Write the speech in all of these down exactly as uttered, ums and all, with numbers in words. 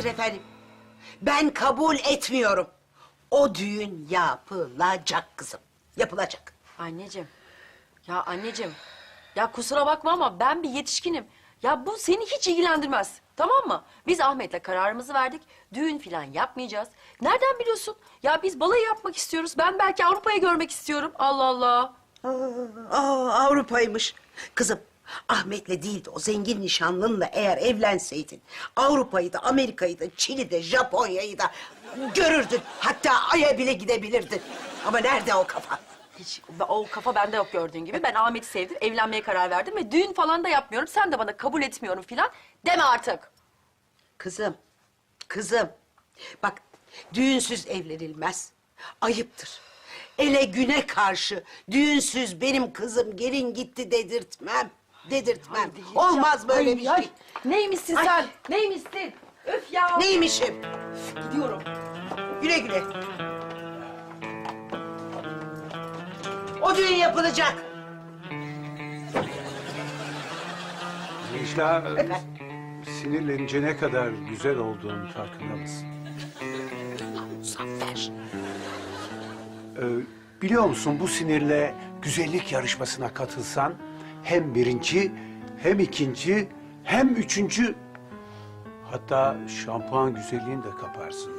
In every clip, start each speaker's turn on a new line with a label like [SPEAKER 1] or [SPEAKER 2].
[SPEAKER 1] Hayır efendim. Ben kabul etmiyorum. O düğün yapılacak kızım. Yapılacak.
[SPEAKER 2] Anneciğim. Ya anneciğim. Ya kusura bakma ama ben bir yetişkinim. Ya bu seni hiç ilgilendirmez. Tamam mı? Biz Ahmet'le kararımızı verdik. Düğün falan yapmayacağız. Nereden biliyorsun? Ya biz balayı yapmak istiyoruz. Ben belki Avrupa'yı görmek istiyorum. Allah Allah.
[SPEAKER 1] Aa, aa, Avrupa'ymış. Kızım, Ahmet'le değildi o zengin nişanlınla eğer evlenseydin... ...Avrupa'yı da, Amerika'yı da, Çin'i de, Japonya'yı da görürdün. Hatta Ay'a bile gidebilirdin. Ama nerede o kafa?
[SPEAKER 2] Hiç o kafa bende yok gördüğün gibi. Ben Ahmet'i sevdim, evlenmeye karar verdim ve düğün falan da yapmıyorum. Sen de bana kabul etmiyorum falan deme artık.
[SPEAKER 1] Kızım, kızım. Bak, düğünsüz evlenilmez. Ayıptır. Ele güne karşı düğünsüz benim kızım gelin gitti dedirtmem. Dedirtmem.
[SPEAKER 2] Ay,
[SPEAKER 1] Olmaz böyle
[SPEAKER 2] ay,
[SPEAKER 1] bir
[SPEAKER 2] ay.
[SPEAKER 1] şey.
[SPEAKER 2] Neymişsin
[SPEAKER 1] Ay.
[SPEAKER 2] sen? Neymişsin? Öf ya.
[SPEAKER 1] Neymişim?
[SPEAKER 2] Gidiyorum.
[SPEAKER 1] Güle güle. O düğün yapılacak.
[SPEAKER 3] Necla,
[SPEAKER 1] Efendim?
[SPEAKER 3] sinirlenince ne kadar güzel olduğunu farkında mısın?
[SPEAKER 1] Muzaffer.
[SPEAKER 3] Ee, biliyor musun bu sinirle güzellik yarışmasına katılsan... ...hem birinci, hem ikinci, hem üçüncü... ...hatta şampuan güzelliğini de kaparsın.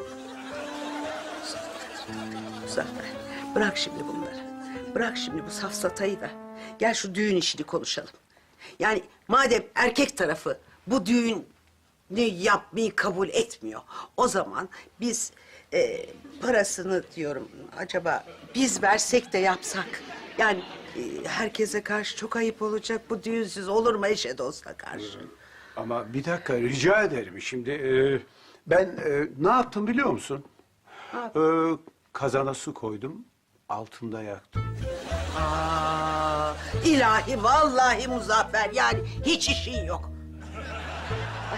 [SPEAKER 1] Muzaffer, bırak şimdi bunları. Bırak şimdi bu safsatayı da. Gel şu düğün işini konuşalım. Yani madem erkek tarafı bu düğünü yapmayı kabul etmiyor... ...o zaman biz e, parasını diyorum acaba biz versek de yapsak. Yani e, herkese karşı çok ayıp olacak, bu düğünsüz olur mu eşe dosta karşı?
[SPEAKER 3] Ama bir dakika rica ederim. Şimdi e, ben e, ne yaptım biliyor musun? E, kazana su koydum, altında yaktım.
[SPEAKER 1] Aa, ilahi vallahi Muzaffer, yani hiç işin yok. Ay.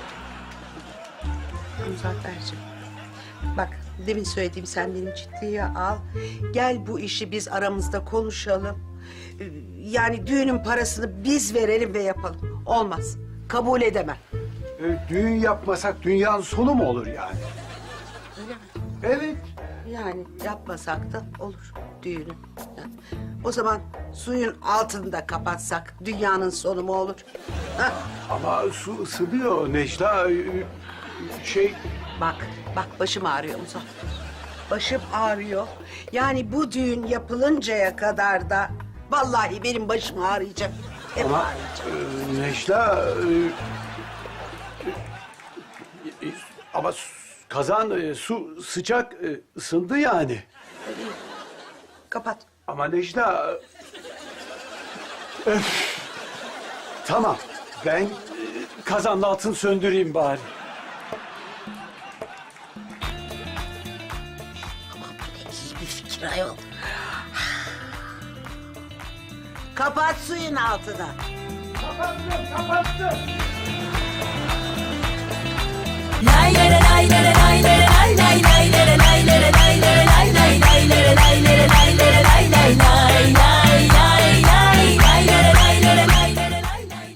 [SPEAKER 1] Muzafferciğim, bak demin söylediğim sen benim ciddiye al. Gel bu işi biz aramızda konuşalım. Ee, Yani düğünün parasını biz verelim ve yapalım. Olmaz, kabul edemem.
[SPEAKER 3] E, düğün yapmasak dünyanın sonu mu olur yani?
[SPEAKER 1] Öyle mi?
[SPEAKER 3] Evet.
[SPEAKER 1] Yani yapmasak da olur düğünü. Yani o zaman suyun altını da kapatsak dünyanın sonu mu olur? Hah.
[SPEAKER 3] Ama su ısınıyor Necla. e, Şey...
[SPEAKER 1] Bak, bak başım ağrıyor Muzaffer. Başım ağrıyor. Yani bu düğün yapılıncaya kadar da vallahi benim başım ağrıyacak. Hep
[SPEAKER 3] Ama
[SPEAKER 1] ağrıyacak.
[SPEAKER 3] e, Necla... e, e, ama su- kazan e, su sıcak e, ısındı yani.
[SPEAKER 1] Kapat.
[SPEAKER 3] Ama Necla... Öf! Tamam, ben e, kazanın altını söndüreyim bari.
[SPEAKER 1] Aman bu ne iyi bir fikir ayol. Kapat suyun altını.
[SPEAKER 3] Kapattım, kapattım.
[SPEAKER 4] Lay lay